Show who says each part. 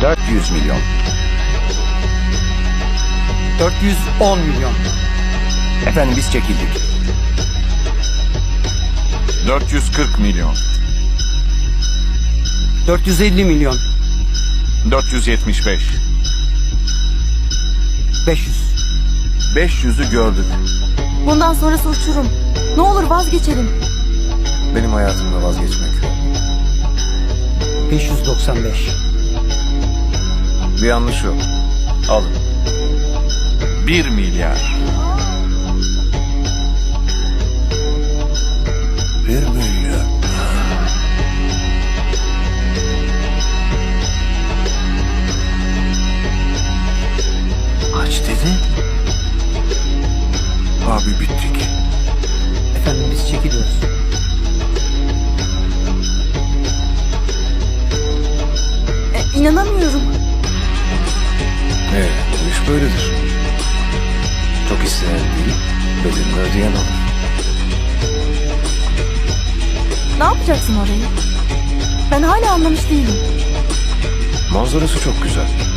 Speaker 1: 400 milyon.
Speaker 2: 410 milyon.
Speaker 1: Efendim biz çekildik.
Speaker 3: 440 milyon.
Speaker 2: 450 milyon.
Speaker 3: 475.
Speaker 2: 500.
Speaker 1: 500'ü gördük.
Speaker 4: Bundan sonrası uçurum. Ne olur vazgeçelim.
Speaker 1: Benim hayatımda vazgeçmek yok.
Speaker 2: 595.
Speaker 1: Bir yanlış yok. Alın.
Speaker 3: 1 milyar.
Speaker 1: 1 milyar. Kaç dedi? Abi bittik.
Speaker 2: Efendim biz çekiliyoruz.
Speaker 4: İnanamıyorum.
Speaker 1: Bu iş böyledir. Çok isteyen değil, bedelini ödeyen olur.
Speaker 4: Ne yapacaksın orayı? Ben hala anlamış değilim.
Speaker 1: Manzarası çok güzel.